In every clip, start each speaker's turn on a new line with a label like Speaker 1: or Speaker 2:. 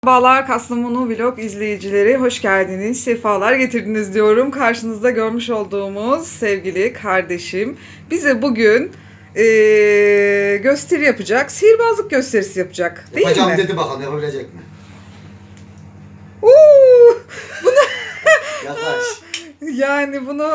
Speaker 1: Merhabalar Kastamonu Vlog izleyicileri, hoş geldiniz, sefalar getirdiniz diyorum. Karşınızda görmüş olduğumuz sevgili kardeşim bize bugün gösteri yapacak, sihirbazlık gösterisi yapacak değil
Speaker 2: Yapacağım
Speaker 1: mi?
Speaker 2: dedi, bakalım yapabilecek mi?
Speaker 1: Uuu,
Speaker 2: Yaklaş.
Speaker 1: yani bunu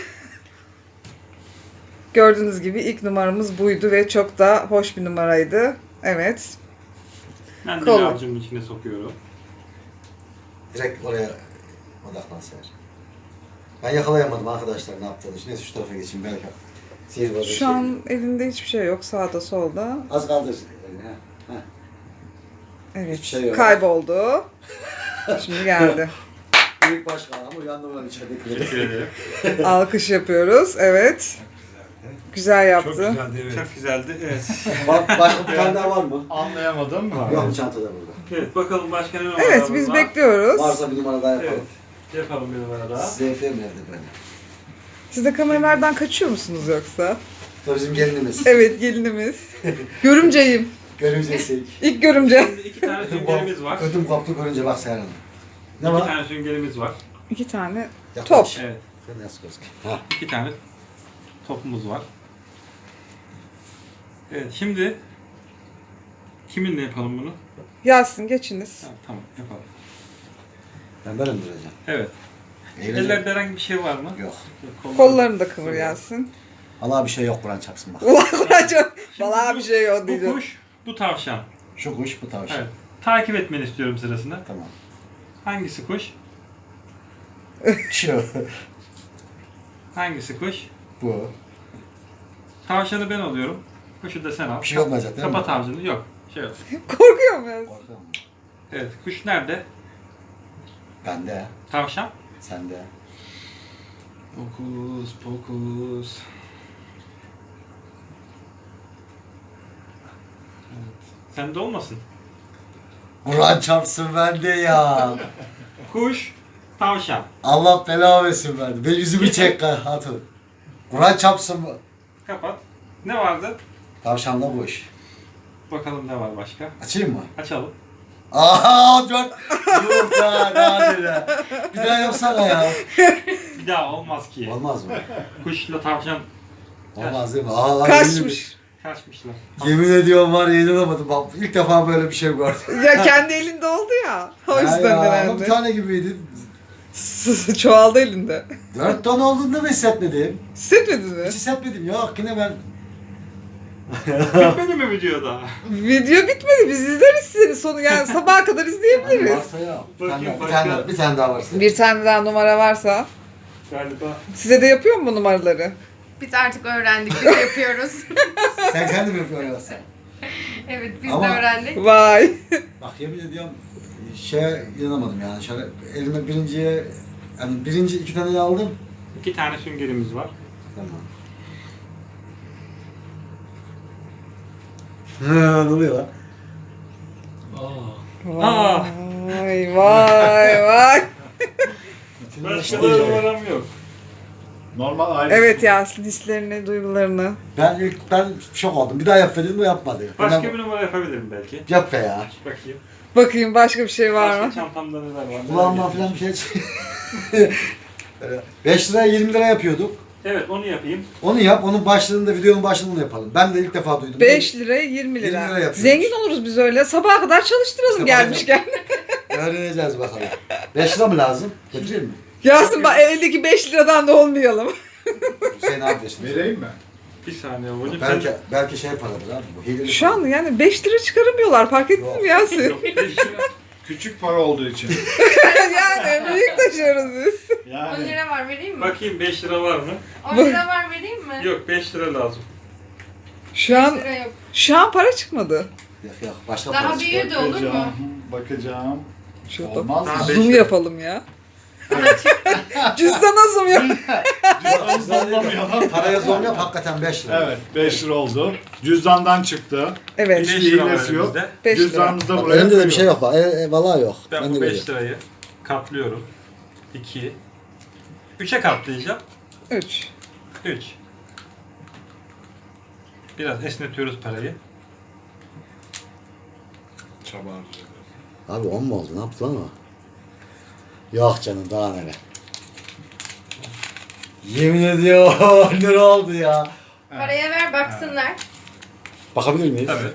Speaker 1: gördüğünüz gibi ilk numaramız buydu ve çok da hoş bir numaraydı. Evet.
Speaker 3: Ben de
Speaker 1: Kol.
Speaker 3: avucumun içine sokuyorum.
Speaker 2: Direkt oraya odaklan Seher. Ben yakalayamadım arkadaşlar, ne yaptığını. Neyse şu tarafa geçeyim belki. Sihirbazı
Speaker 1: Şu an elinde hiçbir şey yok, sağda solda.
Speaker 2: az kaldır. Ha.
Speaker 1: Evet,
Speaker 2: Hiçbir şey yok.
Speaker 1: kayboldu. Şimdi geldi.
Speaker 2: Büyük başkan ama uyandı buradan içeridekileri.
Speaker 3: Teşekkür ederim.
Speaker 1: Alkış yapıyoruz. Evet. Güzel yaptı.
Speaker 4: Çok güzeldi, evet.
Speaker 3: Çok güzeldi. Evet.
Speaker 2: Başka bir tane daha var mı?
Speaker 4: Anlayamadım.
Speaker 2: Yok, çantada burada.
Speaker 3: Evet, bakalım başka ne numara
Speaker 1: Evet, biz bekliyoruz.
Speaker 2: Varsa bir numara daha yapalım.
Speaker 3: Evet. Yapalım bir numara daha.
Speaker 2: ZF mi evde böyle?
Speaker 1: Siz de kameralardan kaçıyor musunuz yoksa?
Speaker 2: Bu bizim gelinimiz.
Speaker 1: Evet, gelinimiz. Görümceyim.
Speaker 2: Görümcesi.
Speaker 1: İlk görümce.
Speaker 3: Şimdi iki tane süngerimiz var.
Speaker 2: Ödüm koptu görünce bak Seher Hanım. Ne
Speaker 3: İki
Speaker 2: var?
Speaker 3: tane süngerimiz var.
Speaker 1: 2 tane
Speaker 2: Yaklaş.
Speaker 1: top.
Speaker 3: Evet.
Speaker 2: Sen nasıl gözüküyor? Ha.
Speaker 3: İki tane topumuz var. Evet, şimdi kiminle yapalım bunu?
Speaker 1: Yasin geçiniz.
Speaker 3: Ha, tamam, yapalım.
Speaker 2: Ben böyle mi duracağım?
Speaker 3: Evet.
Speaker 2: Eğleneceğim.
Speaker 3: Ellerde herhangi bir şey var mı?
Speaker 2: Yok.
Speaker 1: Kollarını da kıvır Yasin.
Speaker 2: Allah bir şey yok, Kur'an çarpsın bak.
Speaker 1: Ulan Kur'an'cığım.
Speaker 3: Şimdi
Speaker 1: Vallahi bir şey yok
Speaker 3: Bu
Speaker 1: diyeceğim.
Speaker 3: kuş, bu tavşan.
Speaker 2: Şu kuş, bu tavşan.
Speaker 3: Evet. Takip etmeni istiyorum sırasında.
Speaker 2: Tamam.
Speaker 3: Hangisi kuş?
Speaker 2: Şu.
Speaker 3: Hangisi kuş?
Speaker 2: Bu.
Speaker 3: Tavşanı ben alıyorum. Kuşu da sen al.
Speaker 2: Bir şey olmayacak değil mi?
Speaker 3: Kapat avcını. Yok. Şey yok.
Speaker 1: Korkuyor mu Yasin?
Speaker 2: Korkuyor musun?
Speaker 3: Evet. Kuş nerede?
Speaker 2: Bende.
Speaker 3: Tavşan.
Speaker 2: Sende.
Speaker 3: Pokus pokus. Evet. Sende olmasın.
Speaker 2: Kur'an çarpsın bende ya.
Speaker 3: Kuş, tavşan.
Speaker 2: Allah bela versin bende. Ben yüzümü çek hatun. Kur'an çarpsın mı?
Speaker 3: Kapat. Ne vardı?
Speaker 2: Tavşanla kuş.
Speaker 3: Bakalım ne var başka.
Speaker 2: Açayım mı?
Speaker 3: Açalım.
Speaker 2: Aa, dört. Yok ya, nadir. Bir daha yapsana ya.
Speaker 3: Bir daha olmaz ki.
Speaker 2: Olmaz mı?
Speaker 3: Kuşla tavşan
Speaker 2: Olmaz değil mi? Aa,
Speaker 1: Kaçmış.
Speaker 3: kaçmışlar.
Speaker 2: Yemin ediyorum var ya, inanamadım. Bak ilk defa böyle bir şey gördüm.
Speaker 1: Ya kendi elinde oldu ya. O yüzden
Speaker 2: Ama bir
Speaker 1: herhalde.
Speaker 2: tane gibiydi.
Speaker 1: Çoğaldı elinde.
Speaker 2: 4 ton olduğunda mı hissetmedim?
Speaker 1: Hissetmediniz mi?
Speaker 2: Hiç hissetmedim. Yok, yine ben...
Speaker 3: Bitmedi mi video daha?
Speaker 1: Video bitmedi. Biz izleriz seni sonu. Yani sabaha kadar izleyebiliriz.
Speaker 2: Varsa ya.
Speaker 3: Bakayım
Speaker 2: Bir
Speaker 3: başka.
Speaker 2: tane, bir tane daha varsa.
Speaker 1: Bir tane daha numara varsa.
Speaker 3: Galiba.
Speaker 1: Size de yapıyor mu bu numaraları?
Speaker 5: Biz artık öğrendik, biz yapıyoruz.
Speaker 2: Sen kendin mi yapıyorsun yoksa?
Speaker 5: Evet, biz
Speaker 2: Ama-
Speaker 5: de öğrendik.
Speaker 1: Vay.
Speaker 2: Bak yemin ediyorum inanamadım yani. Şöyle elime birinciye, yani birinci 2 taneyi aldım.
Speaker 3: 2 tane süngerimiz var.
Speaker 2: Tamam. Ne oluyor lan?
Speaker 3: Aa.
Speaker 1: Vay vay vay.
Speaker 3: Başka da numaram yok.
Speaker 4: Normal aile.
Speaker 1: Evet Yasin, hislerini, duygularını.
Speaker 2: Ben şok oldum. Bir daha yap dedim, o yapmadı.
Speaker 3: Başka
Speaker 2: Ben-
Speaker 3: bir numara yapabilirim belki.
Speaker 2: Yap be ya.
Speaker 3: Bakayım.
Speaker 1: Bakayım başka bir şey var
Speaker 3: Başka
Speaker 1: mı?
Speaker 3: çantamda neler var?
Speaker 2: Kulağımdan falan bir şey 5 liraya 20 lira yapıyorduk.
Speaker 3: Evet, onu yapayım.
Speaker 2: Onu yap, onun başlığında, videonun başlığını yapalım. Ben de ilk defa duydum.
Speaker 1: 5 liraya 20 lira.
Speaker 2: 20 lira yapıyormuş.
Speaker 1: Zengin oluruz biz öyle. Sabaha kadar çalıştıralım
Speaker 2: İşte
Speaker 1: gelmişken.
Speaker 2: Öğreneceğiz bakalım. 5 lira mı lazım? Getireyim mi?
Speaker 1: Yasin bak eldeki 5 liradan da olmayalım.
Speaker 2: Sen ne yapıyorsun?
Speaker 4: Vereyim mi?
Speaker 3: Bir saniye babacığım.
Speaker 2: Belki şey paradır abi bu. Hileli
Speaker 1: Şu an yani 5 lira çıkaramıyorlar. Fark ettin
Speaker 2: Yok.
Speaker 1: mi Yasin?
Speaker 3: Yok, 5 lira.
Speaker 4: Küçük para olduğu için.
Speaker 1: Yani büyük taşıyoruz biz.
Speaker 5: 10
Speaker 4: Yani.
Speaker 5: lira var, vereyim mi?
Speaker 3: Bakayım 5 lira var mı?
Speaker 5: 10 lira var, vereyim mi?
Speaker 3: Yok, 5 lira lazım.
Speaker 1: Şu
Speaker 5: 5
Speaker 1: an
Speaker 5: lira yok.
Speaker 1: para çıkmadı.
Speaker 2: Yok. Başka
Speaker 5: Daha
Speaker 2: para
Speaker 5: büyüğü de olur mu?
Speaker 4: Bakacağım. Bakacağım.
Speaker 1: Şurada
Speaker 4: Olmaz
Speaker 3: Ha,
Speaker 4: mı?
Speaker 3: beş
Speaker 1: zoom
Speaker 3: lira.
Speaker 1: yapalım ya. Cüzdana zoom yap.
Speaker 4: Cüzdanlamayalım.
Speaker 2: Paraya zor yap, hakikaten 5 lira.
Speaker 4: Evet, 5 lira oldu. Cüzdandan çıktı.
Speaker 1: Evet.
Speaker 3: 5
Speaker 4: Hiçbir
Speaker 3: lira var
Speaker 4: hilesi yok.
Speaker 3: elimizde.
Speaker 1: 5 lira.
Speaker 4: Cüzdanımızda
Speaker 2: Bak,
Speaker 4: buraya
Speaker 2: elimde de bir şey
Speaker 4: koyuyoruz.
Speaker 2: yok bak. Vallahi yok.
Speaker 3: Ben
Speaker 2: de
Speaker 3: bu
Speaker 2: görüyorum.
Speaker 3: 5 lirayı katlıyorum. 2. 3'e katlayacağım.
Speaker 1: 3.
Speaker 3: 3. Biraz esnetiyoruz parayı.
Speaker 4: Çaba harcıyoruz.
Speaker 2: Abi 10 mu oldu? Ne yaptı lan o? Yok canım daha neler. Yemin ediyorum 10 lira oldu ya.
Speaker 5: Paraya ver baksınlar.
Speaker 2: Bakabilir miyiz?
Speaker 3: Evet.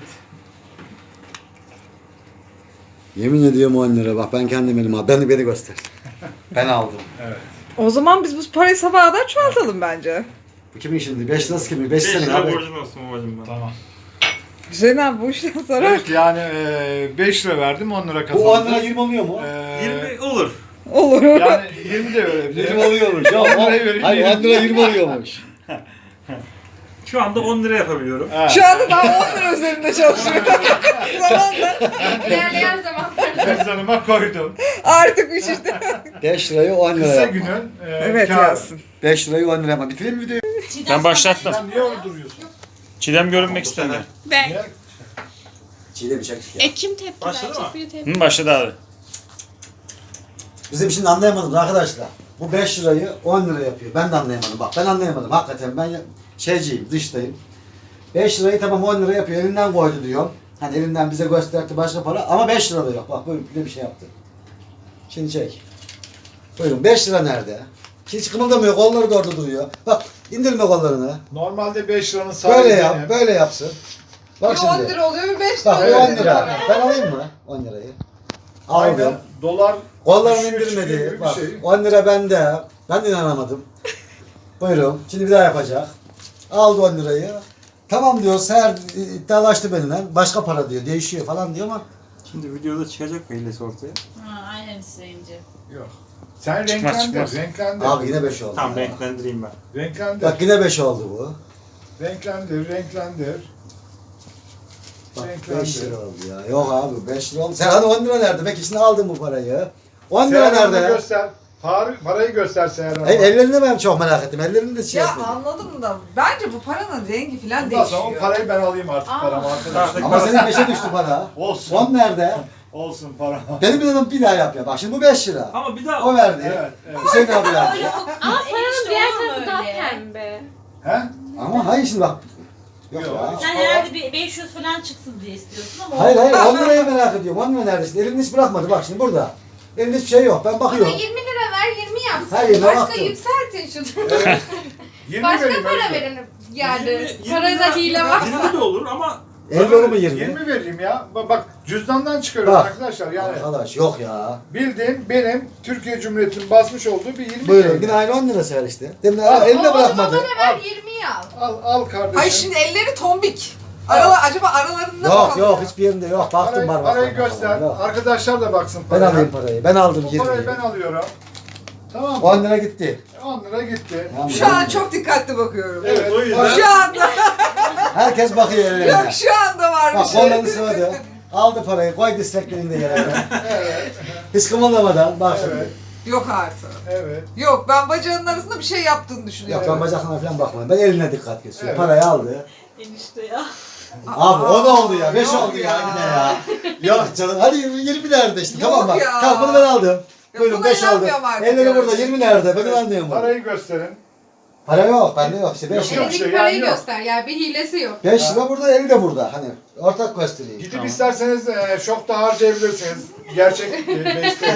Speaker 2: Yemin ediyorum 10 lira. Bak ben kendim elim aldım. Beni göster. Ben aldım.
Speaker 4: Evet.
Speaker 1: O zaman biz bu parayı sabaha kadar çoğaltalım bence.
Speaker 2: Bu kimin şimdi? 5 lirası kimin? 5
Speaker 3: 5
Speaker 2: senin
Speaker 3: lira
Speaker 2: abi.
Speaker 3: borcun olsun babacım bana.
Speaker 4: Tamam.
Speaker 1: Hüseyin abi bu işten sonra
Speaker 4: Evet yani 5 lira verdim 10 lira kazandım.
Speaker 2: Bu 10 lira 20 oluyor mu?
Speaker 3: 20 olur.
Speaker 1: olur.
Speaker 4: Yani 20 de verebilirim.
Speaker 2: 20 oluyormuş. Ya,
Speaker 4: 10 lirayı vereyim.
Speaker 2: hayır 10 lira 20 oluyormuş.
Speaker 3: Şu anda 10 lira yapabiliyorum.
Speaker 4: Ha.
Speaker 1: Şu anda daha 10 lira üzerinde çalışıyor. Zamanla
Speaker 5: İlerleyen zamanlarda.
Speaker 4: Cüzdanıma koydum.
Speaker 1: artık bu işte.
Speaker 2: 5 lirayı 10 lira
Speaker 4: Kısa
Speaker 2: yapma.
Speaker 4: günün
Speaker 1: Evet
Speaker 4: kârı.
Speaker 1: yazsın.
Speaker 2: 5 lirayı 10 lira yapma. Bitireyim mi videoyu?
Speaker 6: Ben başlattım.
Speaker 4: Sen niye orada duruyorsun?
Speaker 6: Çiğdem görünmek istemiyor.
Speaker 5: Ben.
Speaker 4: Niye?
Speaker 2: Çiğdem çektik ya.
Speaker 5: Kim tepki
Speaker 3: Başladı
Speaker 5: verecek?
Speaker 3: mı?
Speaker 5: Bir tepki.
Speaker 6: Hı, başladı abi.
Speaker 2: Bizim şimdi anlayamadım arkadaşlar. Bu 5 lirayı 10 lira yapıyor. Ben de anlayamadım. Bak ben anlayamadım. Hakikaten ben şeyciyim, dıştayım. 5 lirayı tamam 10 lira yapıyor. Elinden koydu diyorum. Hani elinden bize gösterdi başka para. Ama 5 lira da yok. Bak böyle bir şey yaptı. Şimdi çek. Buyurun 5 lira nerede? Hiç kımıldamıyor. Kolları da orada duruyor. Bak indirme kollarını.
Speaker 4: Normalde 5 liranın sahibi
Speaker 2: Böyle
Speaker 4: benim.
Speaker 2: yap. Böyle yapsın. Bak
Speaker 1: Bir
Speaker 2: şimdi.
Speaker 1: 10 lira oluyor bir 5 lira
Speaker 2: Bak bu
Speaker 1: oluyor.
Speaker 2: 10 lira. Ben alayım mı 10 lirayı?
Speaker 4: Aynen.
Speaker 2: Aldım.
Speaker 4: Dolar
Speaker 2: Kollarını
Speaker 4: düşüyor, çıkıyor
Speaker 2: indirmedi.
Speaker 4: gibi bir
Speaker 2: Bak
Speaker 4: şey.
Speaker 2: 10 lira bende. Ben de inanamadım. Buyurun. Şimdi bir daha yapacak. Aldı 10 lirayı. Tamam diyor. Seher iddialaştı benimle. Başka para diyor. Değişiyor falan diyor ama.
Speaker 3: Şimdi videoda çıkacak mı hilesi ortaya?
Speaker 7: Ha, aynen isteyince.
Speaker 4: Yok. Sen
Speaker 6: Çıkmaz,
Speaker 4: renklendir,
Speaker 6: çıkmaz.
Speaker 4: renklendir.
Speaker 2: Abi yine 5 oldu.
Speaker 3: Tamam
Speaker 2: ya.
Speaker 3: renklendireyim ben.
Speaker 4: Renklendir,
Speaker 2: Bak yine 5 oldu bu.
Speaker 4: renklendir, renklendir.
Speaker 2: Bak
Speaker 4: Renklendi.
Speaker 2: 5 lira oldu ya. Yok abi 5 lira oldu. Sen hadi 10 lira nerede? Belki şimdi aldın bu parayı. 10 lira
Speaker 4: Seher Hanım'ı
Speaker 2: nerede?
Speaker 4: göster. Parayı göster Seher Hanım'a.
Speaker 2: Hayır ellerini ben çok merak ettim. Ellerini de şey
Speaker 1: Ya
Speaker 2: yapmadım.
Speaker 1: anladım da bence bu paranın rengi falan
Speaker 4: Ondan sonra o
Speaker 1: değişiyor.
Speaker 4: parayı ben alayım artık paramı arkadaşlar.
Speaker 2: Ama senin 5'e düştü para.
Speaker 4: Olsun.
Speaker 2: 10 nerede?
Speaker 4: Olsun para.
Speaker 2: Benim dedim bir daha yap ya. Bak şimdi bu 5 lira.
Speaker 3: Ama bir daha
Speaker 2: O verdi.
Speaker 4: Evet, evet.
Speaker 2: Hüseyin abi verdi.
Speaker 7: Ama paranın
Speaker 5: diğer tarafı daha
Speaker 7: pembe.
Speaker 4: He?
Speaker 2: Ama hayır şimdi bak. Yok
Speaker 4: Yok,
Speaker 2: ya.
Speaker 4: hiç-
Speaker 7: Sen herhalde bir 500 falan çıksın diye istiyorsun ama
Speaker 2: Hayır 10 lirayı merak ediyorum. 10 lira nerede? Şimdi elini hiç bırakmadı. Bak şimdi burada. Elinde hiçbir şey yok. Ben
Speaker 5: Ama
Speaker 2: bakıyorum.
Speaker 5: 20 lira ver 20 yapsın.
Speaker 2: Hayır, ne
Speaker 5: Başka
Speaker 2: yaptın?
Speaker 5: yükseltin şunu.
Speaker 4: Evet. 20
Speaker 5: Başka
Speaker 4: vereyim,
Speaker 5: para
Speaker 4: öyle.
Speaker 5: verin yani.
Speaker 3: 20
Speaker 5: Parada hile var.
Speaker 3: 20 de olur ama
Speaker 2: 50 olur mu 20?
Speaker 4: 20 vereyim ya. Bak cüzdandan çıkarıyorum
Speaker 2: Bak.
Speaker 4: arkadaşlar yani.
Speaker 2: Arkadaş yok ya.
Speaker 4: Bildiğin benim Türkiye Cumhuriyeti'nin basmış olduğu bir 20
Speaker 2: Buyurun
Speaker 4: TL.
Speaker 2: yine aynı 10 lira seher işte. Demin
Speaker 4: Al,
Speaker 2: elinde
Speaker 5: O zaman
Speaker 2: bırakmadı.
Speaker 5: bana ver 20'yi al.
Speaker 4: Al kardeşim.
Speaker 1: Ay şimdi elleri tombik. Acaba aralarında mı
Speaker 2: Yok
Speaker 1: kalıyor?
Speaker 2: yok hiçbir yerinde yok. Baktım
Speaker 4: Parayı,
Speaker 2: var.
Speaker 4: parayı göster.
Speaker 2: Yok.
Speaker 4: Arkadaşlar da baksın
Speaker 2: Ben
Speaker 4: paraya.
Speaker 2: alayım parayı. Ben aldım
Speaker 4: Bu parayı
Speaker 2: 20'yi.
Speaker 4: ben alıyorum. Tamam mı?
Speaker 2: 10 lira gitti.
Speaker 4: 10 lira gitti.
Speaker 2: Tamam.
Speaker 1: Şu an çok dikkatli bakıyorum.
Speaker 4: Evet.
Speaker 3: o yüzden
Speaker 1: Şu anda
Speaker 2: Herkes bakıyor ellerine.
Speaker 1: yok şu anda var bir
Speaker 2: Bak
Speaker 1: şey.
Speaker 2: kollarını sıvadı. Aldı parayı koydu isteklerinde yere.
Speaker 4: Evet.
Speaker 2: Hiç kımıldamadan bak şimdi.
Speaker 4: Evet.
Speaker 1: Yok artık.
Speaker 4: Evet.
Speaker 1: Yok ben bacağının arasında bir şey yaptığını
Speaker 2: Yok
Speaker 1: düşünüyorum.
Speaker 2: ben bacaklarına falan bakmadım. Ben eline dikkat kesiyorum.
Speaker 4: Evet.
Speaker 2: Parayı aldı.
Speaker 7: enişte ya.
Speaker 2: Abi o da oldu ya. 5
Speaker 1: yok
Speaker 2: oldu ya yine ya. Yok canım. Hadi 20 nerede işte.
Speaker 1: Yok
Speaker 2: Tamam bak.
Speaker 1: ya.
Speaker 2: Tamam bunu ben aldım. Buyurun
Speaker 1: buna
Speaker 2: 5 oldu.
Speaker 1: inanmıyorum artık
Speaker 2: Elleri
Speaker 1: yani.
Speaker 2: burada 20 nerede? Ben inanmıyorum bunu.
Speaker 4: Parayı gösterin.
Speaker 2: Para yok. Bende yok. İşte 5
Speaker 4: Yok,
Speaker 2: lira.
Speaker 4: yok.
Speaker 5: Elindeki
Speaker 4: şey
Speaker 5: parayı
Speaker 4: yani yok.
Speaker 5: göster yani bir hilesi yok.
Speaker 2: 5 lira burada, 50 de burada. Hani ortak göstereyim.
Speaker 4: Gidip isterseniz şokta harcayabilirsiniz. Gerçek 5 TL.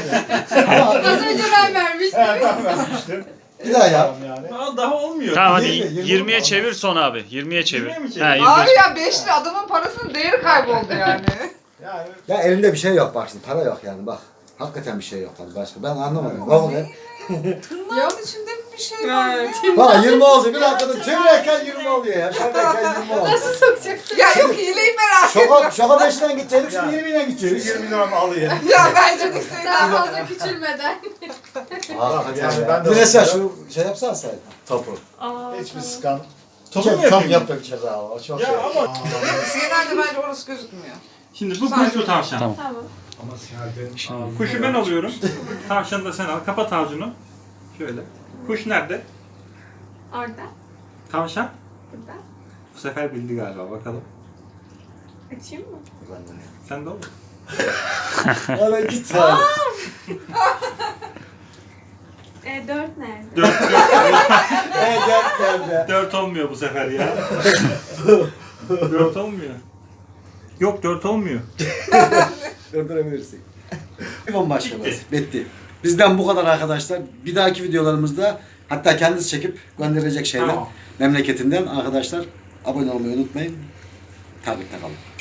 Speaker 5: Az önce ben vermiştim.
Speaker 4: Ben vermiştim.
Speaker 2: Bir daha yap.
Speaker 4: Tamam yani.
Speaker 3: Aa, daha olmuyor.
Speaker 6: Tamam hadi
Speaker 2: 20,
Speaker 6: 20'ye çevir son abi. 20'ye çevir.
Speaker 3: 20'ye mi çevir?
Speaker 6: Ha, 20.
Speaker 1: Abi ya 5 lira adamın parasının değeri kayboldu yani.
Speaker 4: Yani
Speaker 2: Ya elinde bir şey yok bak şimdi. Para yok yani bak. Hakikaten bir şey yok hani başka. Ben anlamadım. Bak onu.
Speaker 1: Yağın içinde bir şey var ya.
Speaker 2: Bak 20 oldu. Bir dakikada çevirirken 20 oluyor ya. Şöyleyken 20 oldu.
Speaker 5: Nasıl sokacaksın?
Speaker 1: Ya yok hileyi merak ettim.
Speaker 2: Şoka 5'den gidecektik şimdi
Speaker 4: Ya.
Speaker 2: 20'den
Speaker 4: şu
Speaker 2: gideceğiz.
Speaker 4: 20 liramı alayım.
Speaker 1: Ya bence de Hüseyin
Speaker 5: Daha
Speaker 1: abi.
Speaker 5: fazla küçülmeden.
Speaker 2: Hakikaten
Speaker 4: Yani
Speaker 2: ya.
Speaker 4: ben de
Speaker 2: Bir mesela
Speaker 4: bakıyorum.
Speaker 2: şu şey yapsan sen. Topu.
Speaker 4: Hiçbir sıkan.
Speaker 3: Topu mu
Speaker 2: Tam
Speaker 3: yapayım?
Speaker 2: yaptık ceza o. Çok
Speaker 3: Ya
Speaker 2: şey.
Speaker 3: ama
Speaker 1: Hüseyin abi bence orası gözükmüyor.
Speaker 3: şimdi bu kuş bu tavşan.
Speaker 6: Tamam.
Speaker 4: Ama Seher benim.
Speaker 3: Kuşu ben alıyorum. Tavşanı da sen al. Kapat avcunu. Şöyle. Kuş nerede?
Speaker 5: Orada.
Speaker 3: Tavşan.
Speaker 5: Burada.
Speaker 3: Bu sefer bildi galiba. Bakalım.
Speaker 5: Açayım mı?
Speaker 3: Sen de ol.
Speaker 2: Bana git sen.
Speaker 5: 4 nerede?
Speaker 3: 4
Speaker 2: Nerede?
Speaker 3: 4 olmuyor bu sefer ya. 4 olmuyor. Yok 4 olmuyor.
Speaker 2: Döndürebilirsin. iPhone başkanımız. Bitti. Bizden bu kadar arkadaşlar. Bir dahaki videolarımızda hatta kendisi çekip gönderecek şeyler
Speaker 3: Tamam.
Speaker 2: memleketinden arkadaşlar abone olmayı unutmayın. Takipte kalın.